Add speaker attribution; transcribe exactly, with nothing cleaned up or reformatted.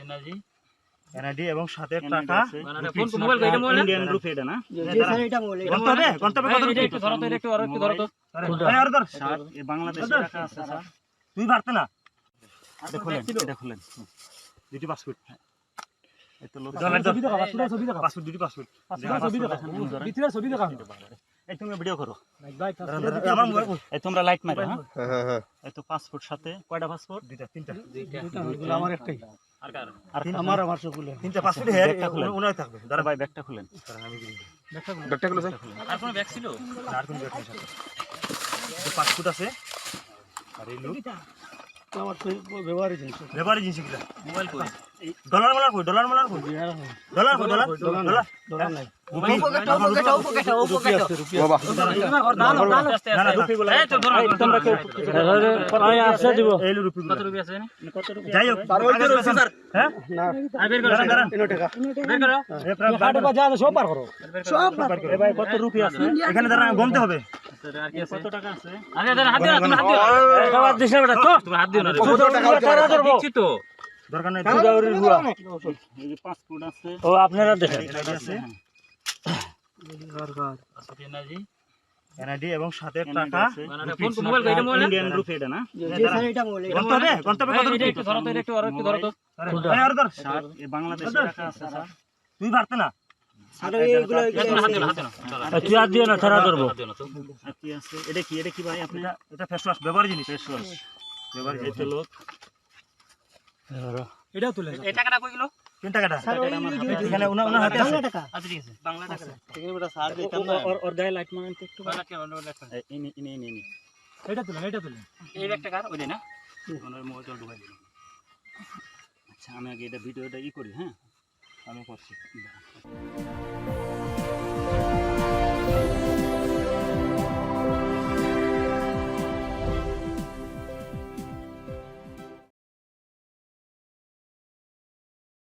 Speaker 1: energy
Speaker 2: NID এবং সাথে টাকা
Speaker 1: ফোন মোবাইল এটা মোবাইল
Speaker 2: ইন্ডিয়ান রুপি এটা না
Speaker 3: জি স্যার এটা মোবাইল
Speaker 2: গন্তব্যে গন্তব্যে কত
Speaker 1: এটা
Speaker 2: রুপি
Speaker 1: একটু ধরো তো এটা একটু আর একটু ধরো তো
Speaker 2: আরে আর ধর
Speaker 4: স্যার এই বাংলাদেশি টাকা আছে স্যার
Speaker 2: তুই পারতে না
Speaker 4: এটা খুলেন এটা খুলেন
Speaker 2: দুটি পাসপোর্ট
Speaker 4: এই তো লোক
Speaker 2: ছবি দেখা পাসপোর্ট ছবি দেখা পাসপোর্ট দুটি পাসপোর্ট ছবি দেখা ভিতরে ছবি দেখা
Speaker 4: এই তুমি ভিডিও করো
Speaker 2: আমার মোবাইল
Speaker 4: এই তোমরা লাইট মারো হ্যাঁ
Speaker 5: হ্যাঁ হ্যাঁ
Speaker 4: এই তো পাসপোর্ট সাথে কয়টা পাসপোর্ট
Speaker 2: দুইটা তিনটা
Speaker 3: এগুলো আমার একটাই
Speaker 1: আর কার
Speaker 4: আর
Speaker 3: আমার আমার সবগুলো
Speaker 2: তিনটা পাসপোর্ট হেয়ার উনাই থাকবে
Speaker 4: দাঁড়া ভাই ব্যাগটা খুলেন
Speaker 5: ব্যাগটা গুলো স্যার
Speaker 1: আর কোনো ব্যাগ ছিল
Speaker 2: আর কোন ব্যাগ নেই পাসপোর্ট আছে আর এই লোক
Speaker 3: আমার তো ব্যবহারই জিনিস
Speaker 2: ব্যবহারের জিনিস গুলা
Speaker 1: মোবাইল কই
Speaker 2: ডলার মালার কই ডলার মালার কই ডলার কই ডলার ডলার
Speaker 3: ডলার নাই
Speaker 2: রুপি
Speaker 5: বাবা
Speaker 2: না না রুপি গুলা
Speaker 1: এই তো ধরো
Speaker 4: তোমরা কেউ
Speaker 3: আমি আসছে দিব
Speaker 2: এই রুপি
Speaker 1: কত রুপি আছে
Speaker 2: যাই হোক হ্যাঁ
Speaker 3: না
Speaker 1: আর বের করো
Speaker 2: দাঁড়ান দাঁড়ান
Speaker 3: তিন টাকা
Speaker 1: বের করো
Speaker 3: হাটে বা যা সব পার করো
Speaker 2: সব এ ভাই কত রুপি আছে এখানে দাঁড়ান গুনতে হবে
Speaker 1: আর কি আছে
Speaker 4: কত টাকা আছে
Speaker 1: আরে দাঁড়া হাত দিও না তুমি হাত দিও
Speaker 3: খাবার দিছ না বেটা তো
Speaker 1: তুমি হাত দিও না রে
Speaker 5: কত টাকা
Speaker 1: দিচ্ছি তো
Speaker 2: দরকার নাই
Speaker 4: এই যে পাসপোর্ট আছে
Speaker 3: ও আপনারা দেখেন
Speaker 2: এনআইডি আছে
Speaker 1: পাসপোর্ট এনার্জি
Speaker 2: এনআইডি এবং সাথে টাকা
Speaker 1: ফোন মোবাইল এটা মোবাইল
Speaker 4: ইন্ডিয়ান রুপি এটা না
Speaker 3: জি স্যার এটা মোবাইল
Speaker 2: গন্তব্যে গন্তব্যে কত
Speaker 1: এটা
Speaker 2: রুপি
Speaker 1: একটু ধরো তো এটা একটু আর একটু ধরো তো
Speaker 2: আরে আর ধর
Speaker 4: স্যার এই বাংলাদেশি টাকা আছে স্যার
Speaker 2: তুই পারতে না
Speaker 3: আর এইগুলো
Speaker 1: তুমি হাত দিও না হাত দিও না
Speaker 3: তুই আর দিও না ছাড়া ধরবো
Speaker 1: হাত দিও না তো
Speaker 4: আর কি আছে এটা কি এটা কি ভাই আপনি
Speaker 2: এটা এটা ফেস ওয়াশ ব্যবহারের জিনিস
Speaker 4: ফেস ওয়াশ
Speaker 2: ব্যবহারের
Speaker 4: এই
Speaker 2: জিনিস
Speaker 4: তো লোক
Speaker 3: এটাও তুলে
Speaker 1: এই টাকাটা কই গেল
Speaker 2: তিন টাকাটা এখানে উনার উনার হাতে আছে
Speaker 3: টাকা
Speaker 1: আচ্ছা ঠিক আছে বাংলা টাকা
Speaker 4: ওর ওর গায়ে লাইট মারেন তো একটু
Speaker 1: বাংলা কি বাংলা টাকা
Speaker 4: এই ইনি ইনি ইনি ইনি
Speaker 3: এটা তুলে এটা তুলে
Speaker 1: এই একটা কার ওইটাই না
Speaker 4: ওনার মোবাইলটা ঢুকাই দিন আচ্ছা আমি আগে এটা ভিডিওটা ই করি হ্যাঁ আমি করছি